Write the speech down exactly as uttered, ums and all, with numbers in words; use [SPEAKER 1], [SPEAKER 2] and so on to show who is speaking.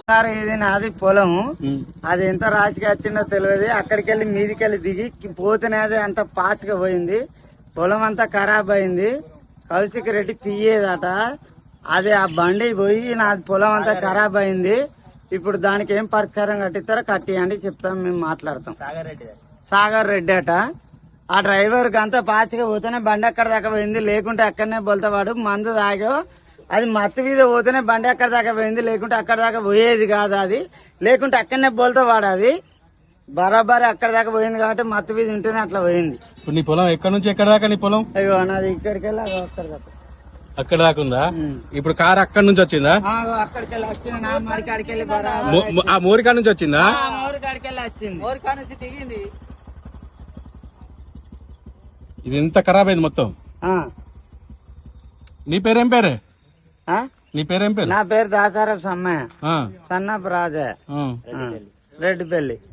[SPEAKER 1] ఇది నాది పొలం. అది ఎంత రాశికి వచ్చిందో తెలియదు. అక్కడికి వెళ్ళి మీదికి వెళ్ళి దిగి పోతేనే అది అంత ఫాస్ట్ గా పోయింది. పొలం అంతా ఖరాబ్ అయింది. కౌశిక్ రెడ్డి పియ్యేదట. అది ఆ బండి పోయి నాది పొలం అంతా ఖరాబ్ అయింది. ఇప్పుడు దానికి ఏం పరిష్కారం కట్టిస్తారో కట్టియండి చెప్తాం, మేము మాట్లాడతాం. సాగర్ రెడ్డి అట. ఆ డ్రైవర్ అంతా ఫాస్ట్ గా పోతేనే బండి అక్కడ దాకా పోయింది, లేకుంటే అక్కడనే బొల్తవాడు. మందు తాగో అది మత్తు మీద పోతేనే బండి అక్కడ దాకా పోయింది, లేకుంటే అక్కడ దాకా పోయేది కాదు. అది లేకుంటే అక్కడనే బోల్తవాడు. అది బరాబరి అక్కడ దాకా పోయింది కాబట్టి మత్తు మీద ఉంటేనే అట్లా పోయింది.
[SPEAKER 2] ఇప్పుడు నీ పొలం ఎక్కడ నుంచి ఎక్కడ దాకా నీ పొలం?
[SPEAKER 1] అయ్యో నాది ఇక్కడికి వెళ్ళి అక్కడ దాకా
[SPEAKER 2] అక్కడ దాకా ఉందా? ఇప్పుడు కారు అక్కడి నుంచి వచ్చిందా?
[SPEAKER 1] అక్కడికి వెళ్ళి వచ్చింది. నా మరి కాడికి వెళ్ళి
[SPEAKER 2] ఆ మోరికా నుంచి వచ్చిందా?
[SPEAKER 1] మోరి కాడికి వెళ్ళి వచ్చింది. మోరికా నుంచి దిగింది.
[SPEAKER 2] ఇది ఎంత ఖరాబ్ అయింది మొత్తం. నీ పేరేం పేరే? నీ పేరేం పేరు?
[SPEAKER 1] నా పేరు దాసారపు సమ్మయ్య, సన్నపు రాజా, రెడ్డిపల్లి.